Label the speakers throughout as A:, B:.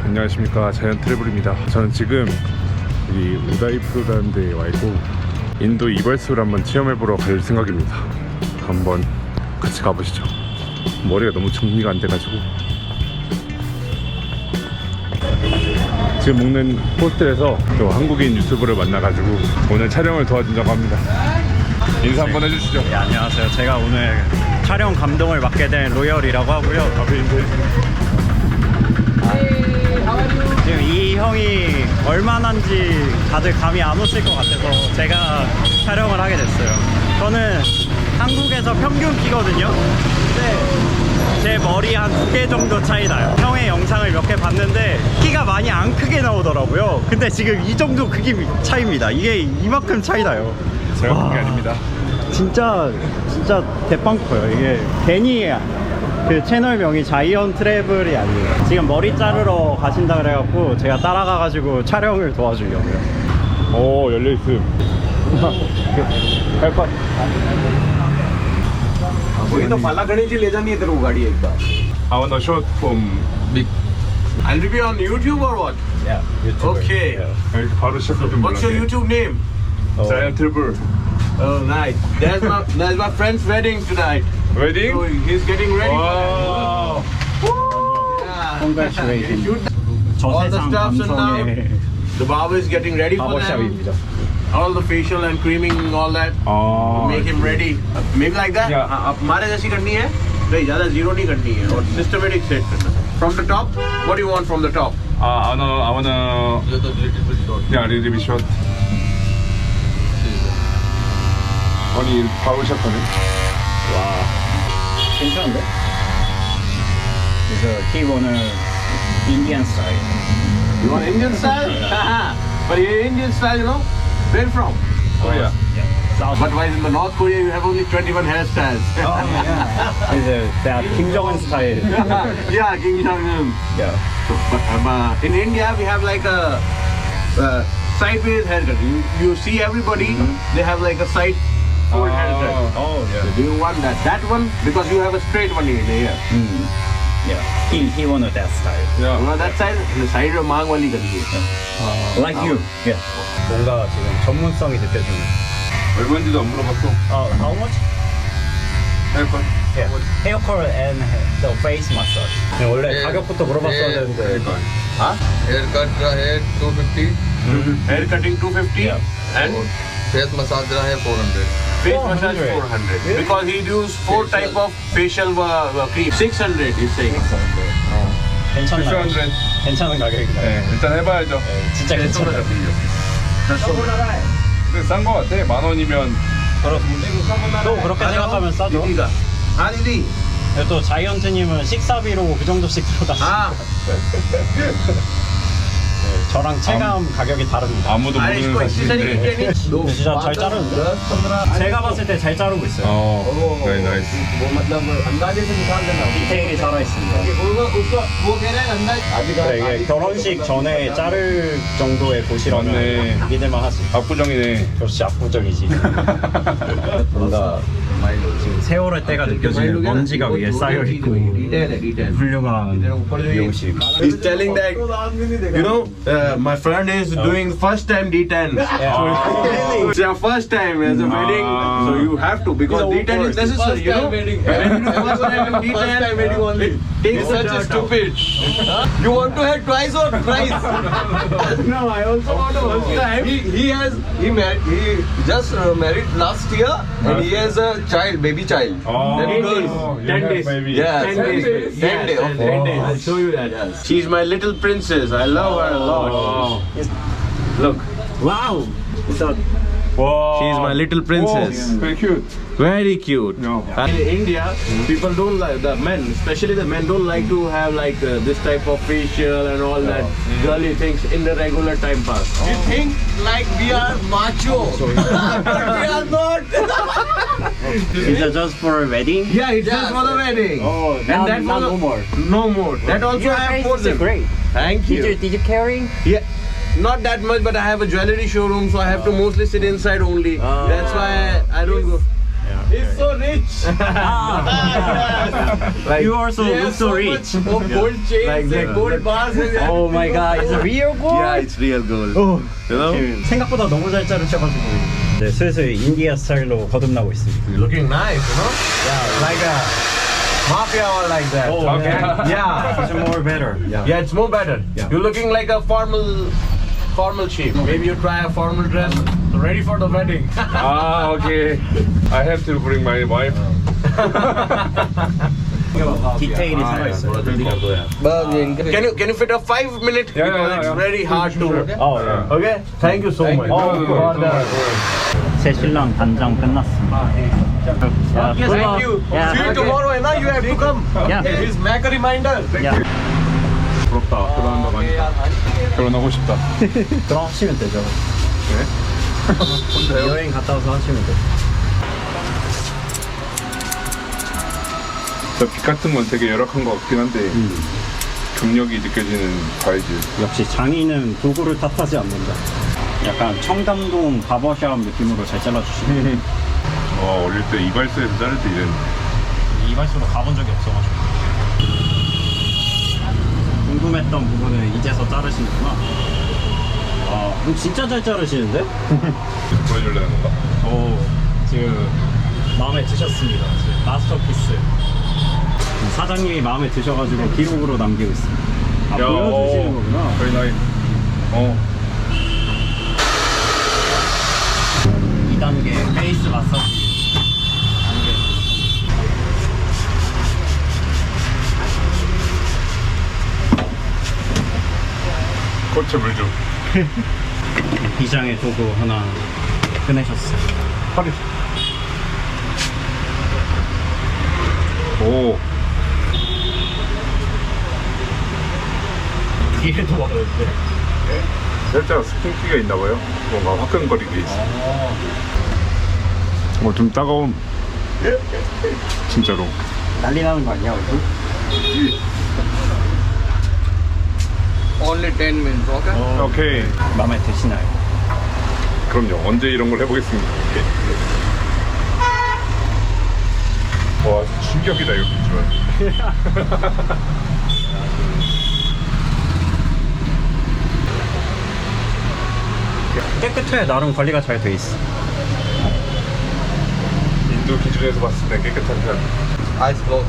A: 안녕하십니까, 자이언트 트래블입니다. 저는 지금 여기 우다이푸르라는 데에 와 있고 인도 이발소를 한번 체험해보러 갈 생각입니다. 한번 같이 가보시죠. 머리가 너무 정리가 안 돼가지고. 지금 묵는 호스텔에서 또 한국인 유튜버를 만나가지고 오늘 촬영을 도와준다고 합니다. 인사 한번 해주시죠.
B: 네, 안녕하세요. 제가 오늘 촬영 감독을 맡게 된 로열이라고 하고요. 지금 이 형이 얼마나인지 다들 감이 안 오실 것 같아서 제가 촬영을 하게 됐어요. 저는 한국에서 평균 키거든요. 근데 제 머리 한 2개 정도 차이 나요. 형의 영상을 몇 개 봤는데 키가 많이 안 크게 나오더라고요. 근데 지금 이 정도 크기 차이입니다. 이게 이만큼 차이 나요.
A: 제가 큰 게 아닙니다.
B: 진짜 대빵 커요. 이게 괜히 그 채널명이 자이언트 트래블이 아니에요. 지금 머리 자르러 가신다 그래갖고 제가 따라가가지고 촬영을 도와주려고요.
A: 오, 열려있음. 할 것.
C: वही तो पाला गणेश जी ले जानी इधर वो गाड़ी एक बार.
A: I want a shot from big.
C: I'll be on YouTube or what?
B: Yeah, YouTuber.
C: Okay.
A: 이렇게 바로 시작하면
C: What's your YouTube name?
A: 자이언트 트래블.
C: Oh, nice. There's my friend's wedding tonight.
A: 웨딩?
C: So he's getting ready.
A: 와.
C: Yeah.
B: Congratulations.
C: All the
B: 저세상
C: stuffs and now
B: 감성의
C: the barber is getting ready for them.
B: 바버샵입니다.
C: All the facial and creaming, all that.
A: 아.
C: Make him ready. Maybe like that.
A: Yeah.
C: अब हमारे जैसी करनी है नहीं ज़्यादा zero नहीं करनी है और systematic set करना. From the top, what do you want from the top?
A: I wanna. Yeah, little bit short. 아니, 바로샵하네.
B: 와, 괜찮은데? 그래서 he wanna Indian style.
C: You want Indian style? But here Indian style, you know? Where from?
A: Korea.
B: South.
C: But why in the North Korea you have only 21 hairstyles?
B: Oh yeah. 이제 that Kim Jong Un style.
C: Yeah, King Jong-un.
B: Yeah.
C: But in India we have like a sideways haircut. You see everybody, they have like a side fold haircut.
B: Oh
C: So
B: yeah.
C: do you want that? That one? Because you have a straight one in here.
B: Yeah. He wanted that style.
A: Yeah.
C: You want that side? The side of mang wali kariye.
B: Like you. Yeah. 뭔가 지금 전문성이 느껴지는.
A: 얼마인지도 안 물어봤어.
B: How much?
A: 할걸?
B: Yeah. Hair color and the face massage. 원래 가격부터 물어봤어야 되는데.
C: Huh?
D: Haircut का है 250,
C: Hair cutting 250
B: Yeah.
C: and
D: face massage का है 400.
C: face massage
B: 400.
C: 400. Because he used 4 type of facial cream. 600 he's saying.
B: 괜찮나요?
A: 600.
B: 괜찮은 가격인가요?
A: 네, 일단 해봐야죠.
B: 네, 진짜 괜찮아요.
A: 근데 싼 거 같아. 10,000원이면.
B: 또 그렇게 생각하면 싸죠.
C: हाँ दीदी.
B: 또 자이언트님은 식사비로 그 정도씩 들어가시죠.
C: हाँ.
B: 저랑 체감 가격이 다릅니다.
A: 아무도
C: अरे
A: 모르는
C: इसको इसी तरीके
A: 사실인데.
C: के नहीं.
B: 근데 진짜 잘 자르는데? 제가 봤을 때 잘 자르고 있어요.
A: 네, 나이스.
C: वो मतलब अंदाजे से निकाल देना.
B: 디테일이 살아있습니다.
C: उसको वो कह रहे हैं अंदाज.
B: 네, 이게 결혼식 전에 자를 정도의 곳이라면
A: 맞네.
B: 믿을만 하지.
A: 압구정이네.
B: 역시 압구정이지. 뭔가 지금 세월의 때가 느껴지는 먼지가 위에 쌓여있고 훌륭한 미용실.
C: He's telling that, you know, my friend is doing first time D10. So it's your first time as a wedding, so you have to because D10 is necessary, you know. When you do first time in D10, it takes such a stupid. You want to have twice or thrice? No, I also want to first time. He just married last year and he has a child, baby child. Then girls.
A: 10 days. Baby.
C: Yeah, 10 days. 10 days. 10 days. I'll show you that. Yes. She's my little princess. I love her a lot. Look. Wow.
A: 와.
C: She's my little princess.
A: Very cute.
C: Very cute.
A: No.
C: In India, people don't like the men, especially the men, don't like to have like this type of facial and all that girly things in the regular time pass. We think like we are macho, but we are not.
B: Is it just for a wedding?
C: Yeah, it's just for the wedding.
B: Oh,
C: And that
B: not
C: was
B: no more.
C: No more. That also I have for them.
B: Great.
C: Thank you.
B: Did you carry?
C: Yeah. Not that much, but I have a jewelry showroom, so I have to mostly sit inside only. That's why I don't go.
B: Yeah.
C: so rich. Like,
B: You also
C: he
B: look
C: has
B: so
C: so
B: rich.
C: much of gold chains
B: Like
C: and gold bars. And
B: Oh my god, it's a real gold?
C: Yeah, it's real gold.
B: 오,
C: You know?
B: 생각보다 너무 잘 자르셔가지고 네, 슬슬 인디아 스타일로 거듭나고 있습니다.
C: Looking nice, you know? Yeah, like a mafia or like that.
B: Oh,
A: Okay.
C: Yeah.
B: It's more better.
C: Yeah, it's more better.
B: Yeah.
C: You're looking like a formal chief. Maybe you try a formal dress. Ready for the wedding.
A: 아, okay. I have to bring my wife.
B: 디테일이 살아있어요.
C: Can you fit a 5 minute?
A: Yeah,
C: Because
A: yeah,
C: it's
A: yeah.
C: very hard to.
B: 어, 네.
C: Okay. Thank you so much.
A: you.
C: Oh, for the.
B: 새 신랑 단장 끝났습니다.
C: Yes, thank you.
B: Yeah.
C: See you tomorrow, and now you have to come.
B: Yeah.
C: Please make a reminder.
B: 야,
A: 부럽다. 결혼한다고 하니까. 결혼하고 싶다.
B: 그럼 하시면 되죠. 여행 갔다 와서 하시면 돼요.
A: 빛 같은 건 되게 열악한 것 같긴 한데 경력이 느껴지는 바이즈.
B: 역시 장인은 도구를 탓하지 않는다. 약간 청담동 바버샵 느낌으로 잘 잘라주시네.
A: 어릴 때 이발소에서 자를 때 이랬는데.
B: 이발소로 가본 적이 없어가지고 궁금했던 부분을 이제서 자르시는구나. 아, 그럼 진짜 잘 자르시는데?
A: 보여주려는 건가?
B: 오, 지금 마음에 드셨습니다. 지금 마스터피스. 사장님이 마음에 드셔가지고 기록으로 남기고 있습니다. 아, 보여주시는 거구나.
A: 저희 나이.
B: 2단계 페이스 마사지.
A: 꽃에 물 좀.
B: 비장의 도구 하나 꺼내셨어요.
A: 허리. 오.
B: 뒤에도 많은데.
A: 살짝 스킨기가 있나 봐요. 뭔가 화끈거리게 있어. 좀 따가운. 진짜로.
B: 난리 나는 거 아니야, 얼굴?
D: Only 10 minutes, okay?
A: 오케이.
B: 마음에 드시나요?
A: 그럼요. 언제 이런 걸 해보겠습니다. 와, 충격이다 이거 비주얼.
B: 깨끗해. 나름 관리가 잘 돼 있어.
A: 인도 기준에서 봤을 때 깨끗한 편.
D: Eyes closed.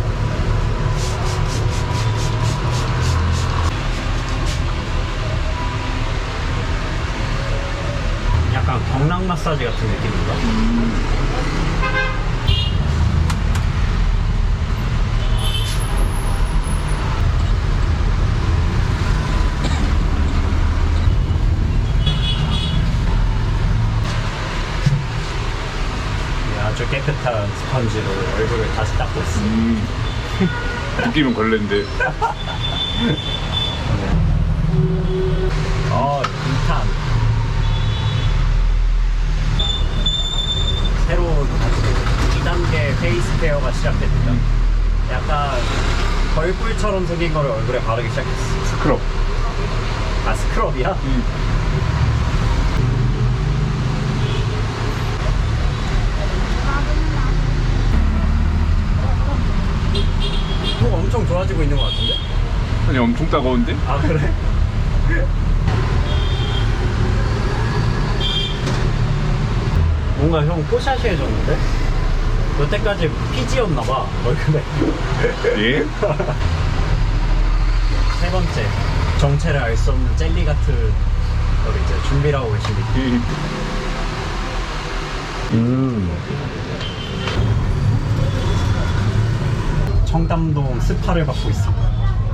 B: 약간 경락 마사지 같은 느낌인가? 네, 아주 깨끗한 스펀지로 얼굴을 다시 닦고 있습니다.
A: 느낌은 걸레인데.
B: 인탄. 새로운 2단계 페이스 케어가 시작됩니다. 약간 벌꿀처럼 생긴 거를 얼굴에 바르기 시작했어.
A: 스크럽.
B: 아, 스크럽이야? 뭐 엄청 좋아지고 있는 것 같은데?
A: 아니 엄청 따가운데?
B: 아, 그래? 뭔가 형 뽀샤시해졌는데? 여태까지 피지였나봐, 얼굴에.
A: 예?
B: 세 번째, 정체를 알 수 없는 젤리 같은 걸 이제 준비를 하고 계십니다. 청담동 스파를 받고 있습니다.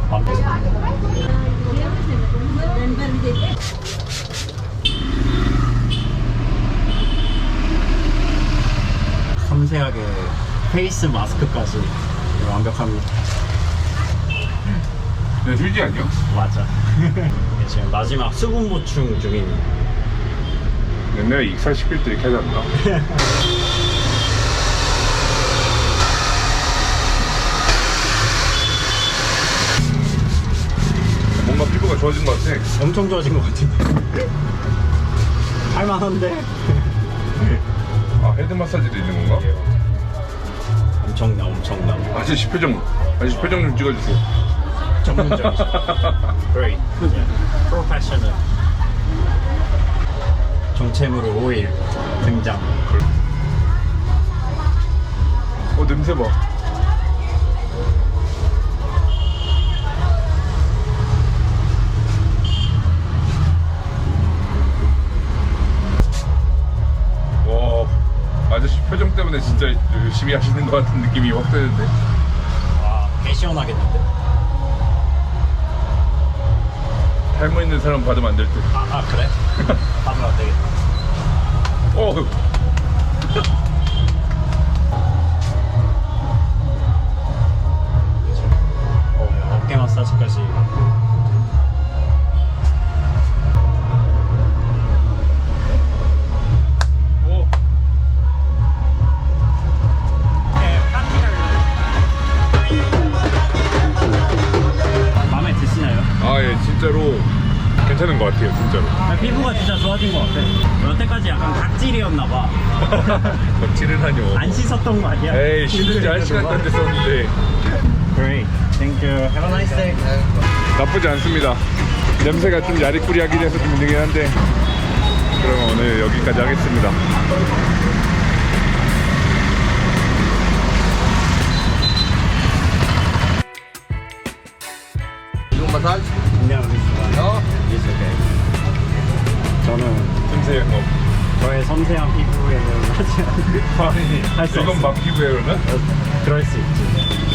B: 섬세하게 페이스 마스크까지 완벽합니다.
A: 휴지 아니야?
B: 맞아. 지금 마지막 수분 보충 중입니다.
A: 내가 익살시킬 때 이렇게 하지 않나? 뭔가 피부가 좋아진 것 같아.
B: 엄청 좋아진 것 같은데. 할만한데?
A: 아, 헤드 마사지도 있는 건가?
B: 엄청나.
A: 아저씨 표정 좀 찍어주세요.
B: 전문적이죠. Great. Professional. 정체모로 오일 등장.
A: 냄새 봐. 와, 아저씨 표정 때문에 진짜 열심히 하시는 것 같은 느낌이 확 드는데.
B: 와, 개 시원하겠는데?
A: 탈모 있는 사람 받으면 안 될 듯.
B: 그래? 받으면 안 되겠다.
A: 어.
B: 어깨 마사지까지.
A: 오.
B: 마음에 드시나요?
A: 아, 예, 진짜로 괜찮은 것 같아요, 진짜로.
B: 피부가 진짜 좋아진 것 같아. 여태까지 약간 각질이었나봐.
A: 덕질을 하뇨.
B: 안 씻었던 거 아니야?
A: 에이, 진짜 한 시간도 안 됐었는데.
B: Great. Thank you. Have a nice day.
A: 나쁘지 않습니다. 냄새가 좀 야리꾸리하긴 해서 좀 힘들긴 한데. 그럼 오늘 여기까지 하겠습니다.
D: You want massage?
B: No,
D: No?
B: it's okay. 저는
A: 냄새 뭐.
B: 저의 섬세한 피부에는 하지 않는
A: 아니,
B: 할수
A: 이건
B: 없어.
A: 막 피부예요, 그러면?
B: 그럴 수 있지.